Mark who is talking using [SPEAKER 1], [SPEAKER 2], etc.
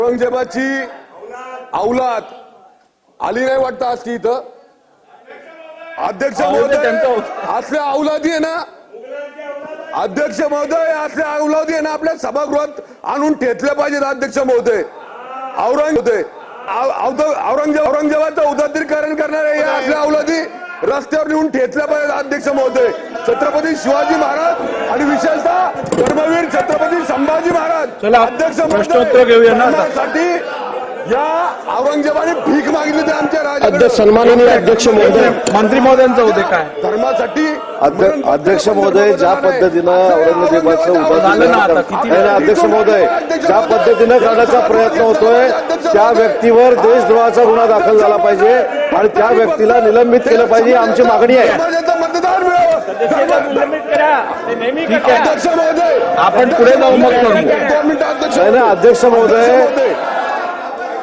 [SPEAKER 1] औरंगजेबाची औलाद आली नाही वाटतं आज ती इथं अध्यक्ष महोदय असल्या औलादी आहे ना अध्यक्ष महोदय असल्या औलादी आहे ना आपल्या सभागृहात आणून ठेचले पाहिजेत अध्यक्ष महोदय औरंगजेबाचं उदात्तीकरण करणारे या असल्या औलादी रस्त्यावर नेऊन ठेचल्या पाहिजेत अध्यक्ष महोदय छत्रपती शिवाजी महाराज आणि विशेषतः धर्मवीर छत्रपती संभाजी महाराज अध्यक्ष महोदय या औरंगजेबाने भीक मागितली ते आमच्या राज्यात
[SPEAKER 2] सन्माननीय अध्यक्ष महोदय
[SPEAKER 3] मंत्री महोदयांचं होते काय
[SPEAKER 1] धर्मासाठी
[SPEAKER 2] अध्यक्ष महोदय ज्या पद्धतीनं औरंगजेबाचं अध्यक्ष महोदय ज्या पद्धतीनं करण्याचा प्रयत्न होतोय त्या व्यक्तीवर देशद्रोहाचा गुन्हा दाखल झाला पाहिजे आणि त्या व्यक्तीला निलंबित केलं पाहिजे आमची मागणी आहे.
[SPEAKER 1] मतदान
[SPEAKER 3] आपण पुढे जाऊ मग
[SPEAKER 2] अध्यक्ष महोदय